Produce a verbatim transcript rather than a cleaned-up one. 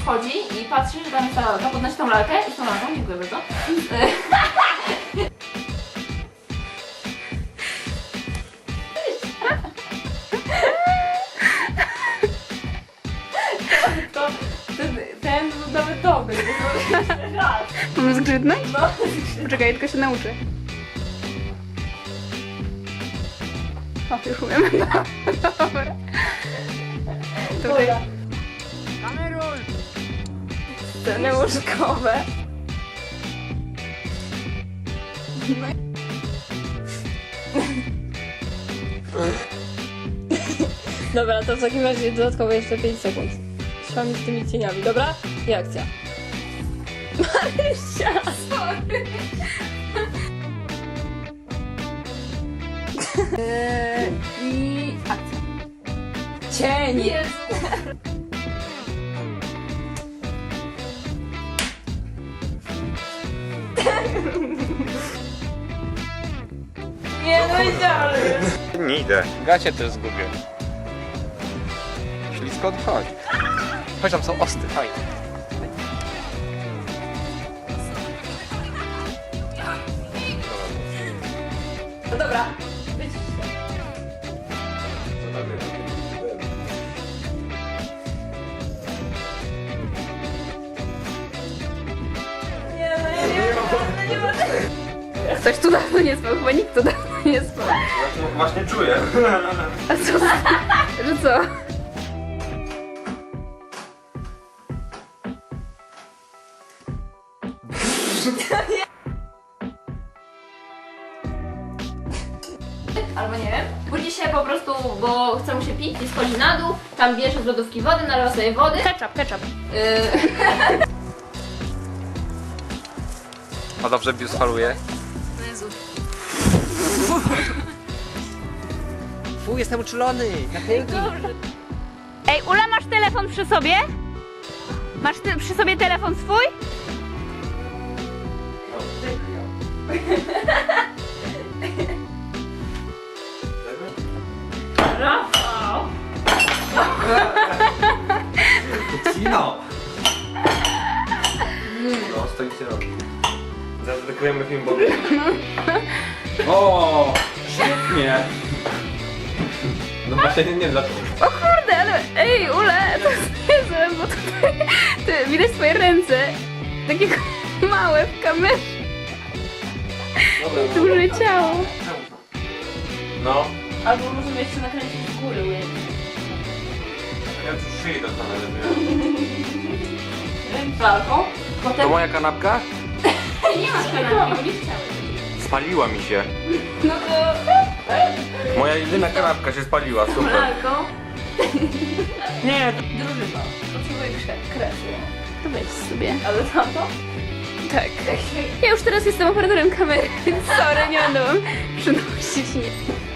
wchodzi i patrzy, że tam jest ta lalka, podnosi tą lalkę i z tą lalką, dziękuję bardzo. To, ten, ten był nawet dobry, to raz. Mam zgrzytnąć? No. Poczekaj, tylko się nauczę. O, już umiem. Dobra. Tutaj. Kameruj! Sceny łóżkowe. Dobra, to w takim razie dodatkowo jeszcze pięć sekund. Szłam z tymi cieniami, dobra? I akcja. Marysia! Sorry. Eee, I akcja. Cień! Jest. Nie, no idealnie. Nie idę. Gacie też zgubię. Ślisko odchodź. Chodź, tam są osty, fajnie. No dobra, być. Nie, no ja nie mogę, nie mogę. Ktoś tu dawno nie spał, chyba nikt tu dawno nie spał. Właśnie czuję. A co? Że co? Albo nie wiem. Budzi się po prostu, bo chce mu się pić i schodzi na dół, tam bierze z lodówki wody, nalewa sobie wody. Ketchup, ketchup. Yy, O, dobrze, bius faluje. Jezu. Fu, jestem uczulony. Ej, Ula, masz telefon przy sobie? Masz ty, przy sobie telefon swój? Rafał! Cino. No, stoi się robi. Zadedykujemy film Bobie. O, świetnie. No właśnie, nie wiem dlaczego. O kurde, ale ej, Ule, to jest niezłe, bo tutaj ty, widać twoje ręce. Takie małe w kamerze. Dobra, no. Duże ciało. No. Albo możemy jeszcze nakręcić z góry ujęcie. Ja już szyi do kamery. Walką. To Potem moja kanapka? nie masz kanału, bo nie chciałeś. Spaliła mi się. No to Moja jedyna kanapka się spaliła, super. walką. Nie. Drużyna. Potrzebuję kre- kresu. To weź sobie. Ale tamto? Tak. Ja już teraz jestem operatorem kamery, więc sorry, nie będę wam przynosić. Nie.